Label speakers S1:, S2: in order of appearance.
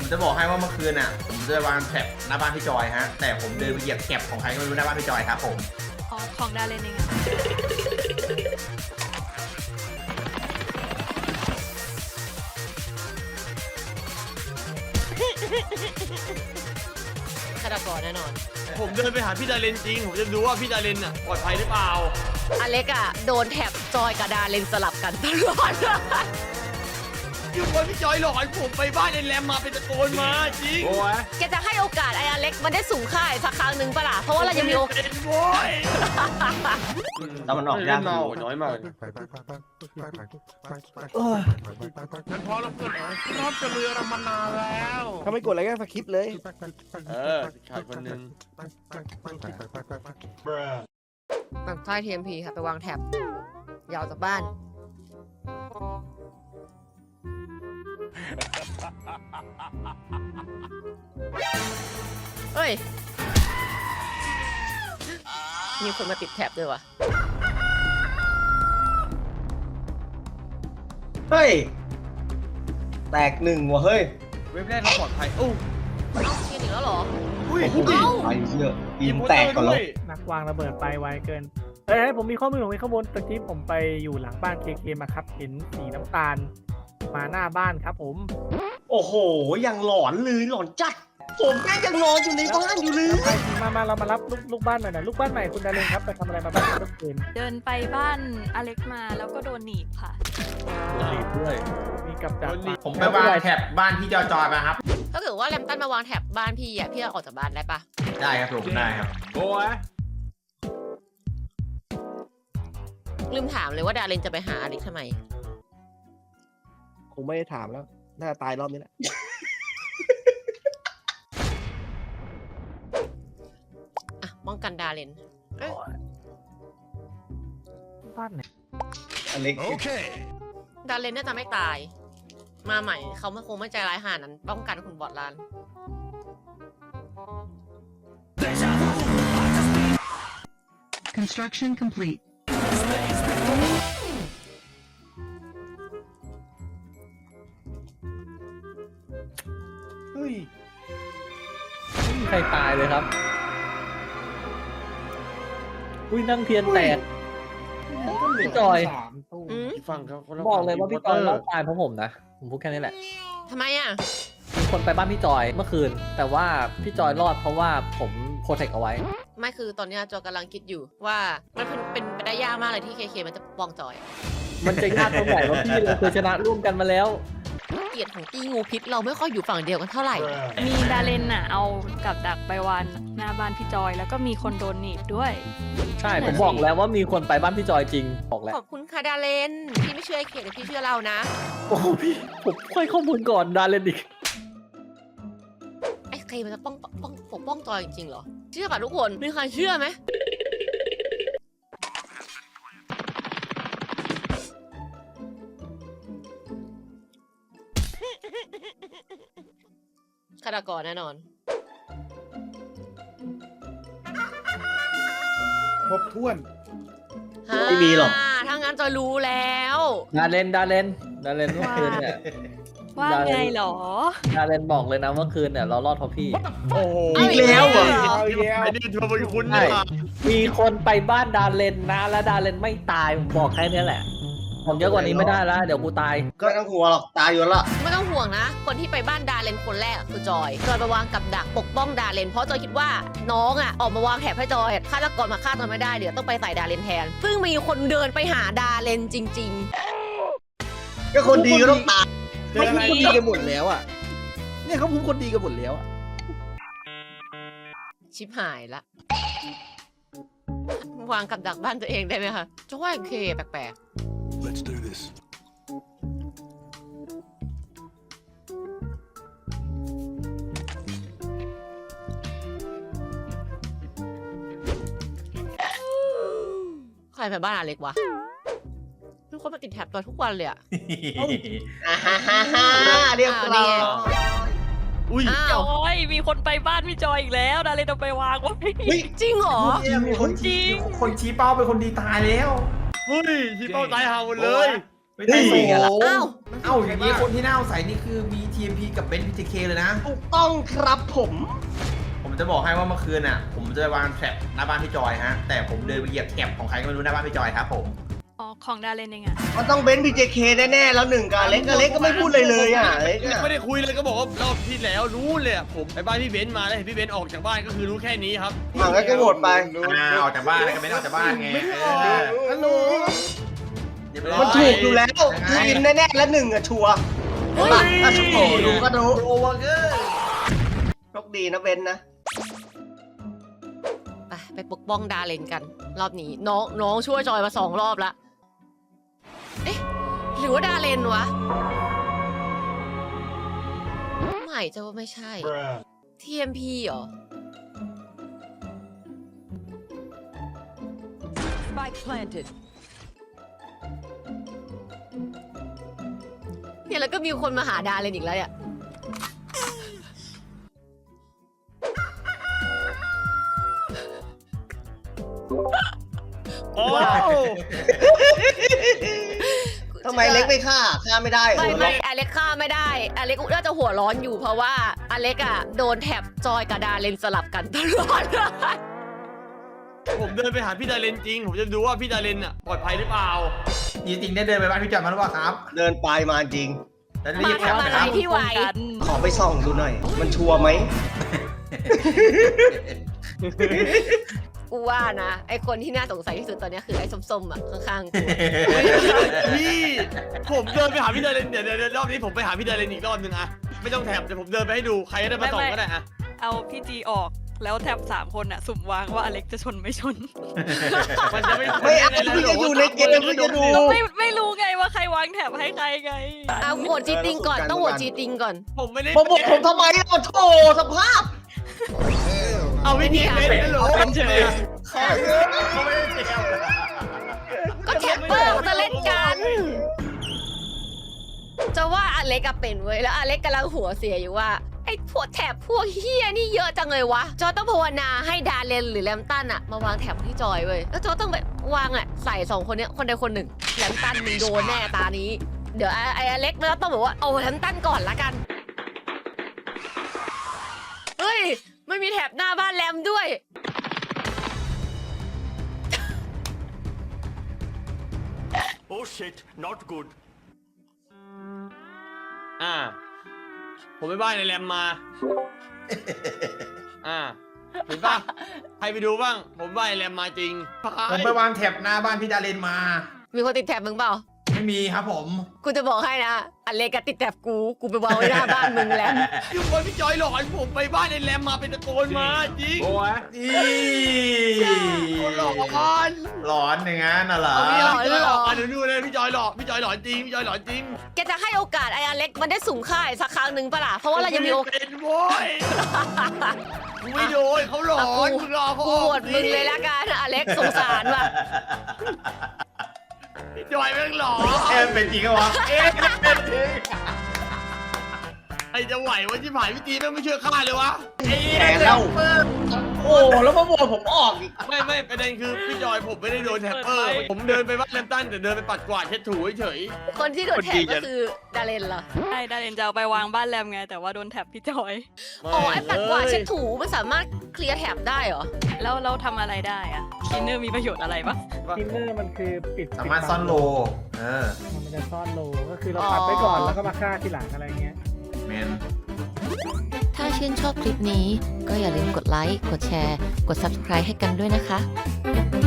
S1: ผมจะบอกให้ว่าเมื่อคืนอ่ะผมจะวางแถบหน้าบ้านพี่จอยฮะแต่ผมเดินไปเหยียบแก็บของใครก็ไม่รู้หน้าบ้านพี่จอยครับผม
S2: อ๋อของดาเลนเองอะ
S3: ฆาตกรแน่นอน
S4: ผมเดินไปหาพี่ดาเลนจริงผมจะดูว่าพี่ดาเลนน่ะปลอดภัยหรือเปล่า
S3: อเล็กอะโดนแถบจอยกับดาเลนสลับกันตลอด
S4: อยู่บนพี่จอยหลอกให้ผมไปบ้านไอ้แรมมาเป็นตะโกนมาจริง
S5: โอ้ย
S3: แกจะให้โอกาสไอ้อเล็กมันได้สูงค่าอีกสักครั้งหนึ่งปะล่ะเพราะว่าเรายังมีโอกาส
S4: เป็นโว้ย
S1: แล้วมันออกยาก
S4: เมาน้อยมาก
S5: งั้นพอเราเกิดรอบจะเรือเรามานานแล้ว
S6: ถ้าไม่กดอะไรก็สคริปต์เลย
S4: ขาดคนหนึง
S3: แบบใต้ TMP ค่ะไปวางแถบยาวจากบ้านเฮ้ยมีคนมาติดแถบด้วยวะ
S6: เฮ้ย แตกหนึ่งว่ะเฮ้ย
S4: เว็บแรกเราปลอดภัยโอ้
S3: เอ้าเชียร์อีกแล้วเหรอ
S4: อุ้ย
S3: เอ้า
S6: ไอ้เหี้ยอินแตกก่อนแล้ว
S7: นักวางระเบิดไปไวเกินเฮ้ยผมมีข้อมูลของข้อมูลตะกี้ผมไปอยู่หลังบ้านเคมาครับ เห็นสีน้ำตาลมาหน้าบ้านครับผม
S6: โอ้โหยังหลอนเลยหลอนจัด ผมแม่งยังนอนอยู่ในบ้านอยู่เลย
S7: ไปมาเรามารับลูกบ้านหน่อยนะลูกบ้านใหม่คุณดาเลนครับไปทำอะไรมาบ้างเมื่อคืน
S2: เดินไปบ้านอเล็กมาแล้วก็โดนหนีบค่ะ
S7: รีบด้วยมีกับดัก
S1: ผมไปวางแถบบ้านพี่จอยมาครับ
S3: ถ้าเกิดว่าแรมตันมาวางแถบบ้านพี่อ่ะพี่เอาออกจากบ้านได้ปะ
S1: ได้ครับผมได้ครับ
S5: โอ้ย
S3: ลืมถามเลยว่าดาเรนจะไปหาอเล็กทำไม
S6: คงไม่ได้ถามแล้ว น่าจะตายรอบนี้แหละ
S3: อ่ะป้องกันดาเรนเอ้ย
S7: บ้านไหน
S6: อเล็ก
S5: โอเค
S3: ดาเรนน่าจะไม่ตาย มาใหม่เขาไม่คงไม่ใจร้ายขนาดนั้นป้องกันคุณบอดลาน
S8: Construction complete.
S6: เฮ้ย
S9: ไม่มีใครตายเลยครับ อุ้ยนั่งเทียนแตก พี่จอย
S3: อืม
S4: ฟังครับคนละ
S9: บอกเลยว่าพี่จอยรอดตายเพราะผมนะ ผมพูดแค่นี้แหละ
S3: ทำไมอ่ะ
S9: มีคนไปบ้านพี่จอยเมื่อคืน แต่ว่าพี่จอยรอดเพราะว่าผมโปรเทคเอาไว้
S3: ไม่คือตอนเนี้ยจอยกำลังคิดอยู่ว่ามันเป็นไปได้ยากมากเลยที่เคมันจะปกป้องจอย
S9: มันจะยากตรงไหนว่าพี่เราเคยชนะร่วมกันมาแล้ว
S3: เกลียดของตีงูพิษเราไม่ค่อยอยู่ฝั่งเดียวกันเท่าไหร่
S2: มีดาเลนน่ะเอากับดักไปวางหน้าบ้านพี่จอย แล้วก็มีคนโดนหนีบด้วย
S9: ใช่ ผมบอกแล้วว่ามีคนไปบ้านพี่จอยจริง บอกแล้ว
S3: ขอบคุณค่ะดาเลนพี่ไม่เชื่อไอ้เขตแต่พี่เชื่อเรานะ
S9: โอ้โหพี่ ผมค่อยข้อมูลก่อนดาเลนอีก
S3: ไอ้เคมันจะปกป้องจอยจริงๆเหรอ เชื่อป่ะทุกคนมีใครเชื่อไหมฆาตกรแน่นอน
S6: ครบถ้วน
S3: ฮ่า
S6: ไม่มีหรอก
S3: ถ้างั้นจอยรู้แล้ว
S9: ดาเลนเมื่อคืนเนี่ย
S2: ว่าไงเหรอ
S9: ดาเลนบอกเลยนะเมื่อคืนเนี่ยเรารอดเพราะพี่
S4: โอ้โห
S6: อีกแล้วเหรอ
S4: ไอ้นี่เธอเป็นคุณนี่หว่า
S9: มีคนไปบ้านดาเลนนะ แล้วดาเลนไม่ตาย ผมบอกแค่นี้แหละ ผมเยอะกว่านี้ไม่ได้แล้ว เดี๋ยวกูตาย
S6: ก็ไม่ต้องหัวหรอกตายอยู่แล้วล่ะ
S3: ไม่ต้องห่วงนะ คนที่ไปบ้านดาเลนคนแรกคือจอย จอยไปวางกับดักปกป้องดาเลน เพราะจอยคิดว่าน้องอ่ะออกมาวางแถบให้จอยฆาตกรมาฆ่าจอยไม่ได้เดี๋ยวต้องไปใส่ดาเลนแทน ซึ่งมีคนเดินไปหาดาเลนจริง
S6: ก็คนดีก็ต้องตาย
S5: เจออะไร
S6: คนดีกันหมดแล้วอ่ะ เนี่ยเขาพูดคนดีกันหมดแล้วอ่ะ
S3: ๆ ชิบหายละ วางกับดักบ้านตัวเองได้ไหมคะจอยเคแปลก
S5: Let's do this
S3: ๆ ใครไปบ้านอเล็กวะมีคนมาติดแถบจอยทุกวันเลยอะ
S6: อ่าฮ่าฮ่าฮ่าเรียบร้อย
S4: อุ้ย
S3: อ้า
S2: จ
S3: ว
S2: อยมีคนไปบ้านพี่จอยอีกแล้ว ดาเลนเอาไปวางไว้
S3: จริงเหรอ
S1: มีคนชี้เป้าเป็นคนดีตายแล้ว
S4: เฮ้ยที่เป้าตายหาหมดเลย
S3: เ
S1: ไม่ได้ส่ง
S3: อ้าว
S1: เอ้าอย่างนี้คนที่น่าสงสัยนี่คือมี TMP กับเบนซ์ BJK เลยนะ
S6: ถูกต้องครับผม
S1: ผมจะบอกให้ว่าเมื่อคืนอ่ะ ผมจะวางแทร็บหน้าบ้านพี่จอยฮะ แต่ผมเดินไปเหยียบแก็บของใครก็ไม่รู้หน้าบ้านพี่จอยครับผม
S2: อ๋อของดาเลนเองอะ
S6: มันต้องเบนซ์ BJK แน่ๆแล้วหนึ่งกับอเล็กก็ไม่พูดเลยอ่ะอเล็กอะ
S4: ไม่ได้คุยเลยก็บอกว่ารอบที่แล้วรู้เลยอะผมไปบ้านพี่เบนซ์มาแล้วเห็นพี่เบนซ์ออกจากบ้านก็คือรู้แค่นี้ครับ
S6: อ่ะงั้นก็โหวตไป
S1: ออกจากบ้านแล้วก็ไม่ได้ออกจากบ้านไง
S6: ฮัลโหล
S1: เรียบร้อย
S6: มันถูกอยู่แล้วคือวินแน่ๆแล้วหนึ่งอะชัวร์ใช่ปะอ่ะโอ้โหดูก็รู้
S1: โอเวอร์เกอร์
S6: โชคดีนะเบนซ์นะ
S3: ไปปกป้องดาเลนกัน รอบนี้น้องช่วยจอยมา2 รอบละเอ๊ะหรือว่าดาเลนวะไม่จะว่าไม่ใช่ TMP เหรอ
S8: Spike planted.
S3: เนี่ยแล้วก็มีคนมาหาดาเลนอีกแล้วเนี่ย
S4: โอ้
S6: ทำไมเล็กไม่ฆ่าไม่ได้เหรอ
S3: ไม่อเล็กฆ่าไม่ได้อเล็กน่าจะหัวร้อนอยู่เพราะว่าอเล็กอะโดนแท็บจอยกับดาเลนสลับกันตลอด
S4: ผมเดินไปหาพี่ดาเลนจริง ผมจะดูว่าพี่ดาเลนอะปลอดภัยหรือเปล่า
S1: จริงๆได้เดินไปบ้านพี่จอยมาหรือเปล่าครับ
S6: เดินไปมาจริง
S1: แล้วได้เหยียบแก็บ
S3: มา
S1: ไหม
S3: ทำ
S1: ค
S3: อะไร
S1: รับ
S3: พี่ไหว
S6: ขอไปส่องดูหน่อย มันชัวร์ไหม
S3: กูว่านะ ไอคนที่น่าสงสัยที่สุดตอนนี้คือไอ้ส้มๆอะข้างๆกู
S4: พี่ผมเดินไปหาพี่ดาเลนเดี๋ยวรอบนี้ผมไปหาพี่ดาเลนอีกรอบนึงอะไม่ต้องแถบแต่ผมเดินไปให้ดูใครก็ได้มาส่องก็ได้อะ
S2: เอาพี่จีออกแล้วแท็บ3 คนอะสุ่มวางว่าอเล็กจะชนไม่ชน
S4: มันจะไม่
S6: ไม่เอาพี่จะอยู่ในเกมพี่จะดู
S2: ไม่รู้ไงว่าใครวางแท็บให้ใครไง
S3: เอาโหวตจีติงก่อนต้องโหวตจีติงก่อน
S4: ผมไม่ได้
S6: ผมบอกผมทำไมอ่ะโถสภาพ
S4: เอาวิธีเป็นเหรอ
S2: เป็นเฉย
S1: เขาไม่ได้เจียว
S3: ก็แท็บเปอร์เขาจะเล่นกัน จะว่าอเล็กอะเป็นเว้ยแล้วอเล็กกำลังหัวเสียอยู่ว่าไอ้พวกแถบพวกเฮียนี่เยอะจังเลยวะจอยต้องภาวนาให้ดาเลนหรือแลมตันอะมาวางแถบที่จอยเว้ยแล้วจอยต้องไปวางอะใส่2 คนเนี้ยคนใดคนหนึ่งแลมตันมึงโดนแน่ตานี้ เดี๋ยวไอ้อเล็กแล้วต้องบอกว่าเอาแลมตันก่อนละกันเฮ้ยไม่มีแถบหน้าบ้านแลมด้วย
S5: Oh shit not good
S4: ผมไปบ้านในแรมมา เห็นปะใครไปดูบ้าง ผมบ้านในแรมมาจริง
S1: ผมไปวางแท็บหน้าบ้านพี่ดาเลนมา
S3: มีคนติดแถบมึงเปล่า
S1: ไม่มีครับผม
S3: กูจะบอกให้นะอเล็กก็ติดแถบกูไปวางไว้หน้าบ้านมึงแล้ว
S4: อยู่คนพี่จอยหลอนผมไปบ้านในแรมมาเป็นตะโกนมาจริง
S5: โอ้ย
S1: อี
S4: หลอน
S1: หลอนอย่างนั้นน่ะเหรอ
S3: หลอน
S4: พี่จอยหลอนดูเลยพี่จอยหลอนพี่จอยหลอนจริงพี่จอยหลอนจริง
S3: แกจะให้โอกาสไอ้อเล็กมันได้สุ่มค่ายสักครั้งหนึ่งปะล่ะเพราะว่าเรายังมีโอกาส
S4: เป็นโว้ยกูไม่โดนเขาหลอนมึงรอเขา
S3: กูโหวตมึงเลยละกันอเล็กสงสารว่ะ
S4: พี่จอยแม่งหลอน
S1: เอ๊ะเป็นจริงเหรอวะเอ๊ะเป็นจริง
S4: ไอจะไหววะที่ผ่านพี่จีแม่งไม่เชื่อข้าเลยวะ
S6: แกแล้ว โอ้แล้วมาโหวตผมออกอีก
S4: ไม่ประเด็นคือพี่จอยผมไม่ได้โดนแท็ปเปอร์ผมเดินไปบ้านแลมตันแต่เดินไปปัดกวาดเช็ดถูเฉย
S3: คนที่โดนแถบก็คือดาเลนเหรอ
S2: ใช่ดาเลนจะเอาไปวางบ้านแรมไง แต่ว่าโดนแท็บพี่จอย
S3: อ๋อไอ้ปัดกวาดเช็ดถูมันสามารถเคลียร์แถบได้เหรอ
S2: แล้วเราทำอะไรได้อะคลีนเนอร์มีประโยชน์อะไรปะ
S7: ทินเนอร์มันคือปิด
S1: สามารถซ่อนโลเออ
S7: มันจะซ่อนโลก็คือเราปัดไว้ก่อนแล้วก็มาฆ่าทีหลังอะไรเงี้ย
S1: แมน
S3: ถ้าชื่นชอบคลิปนี้ก็อย่าลืมกดไลค์ กดแชร์ กด Subscribe ให้กันด้วยนะคะ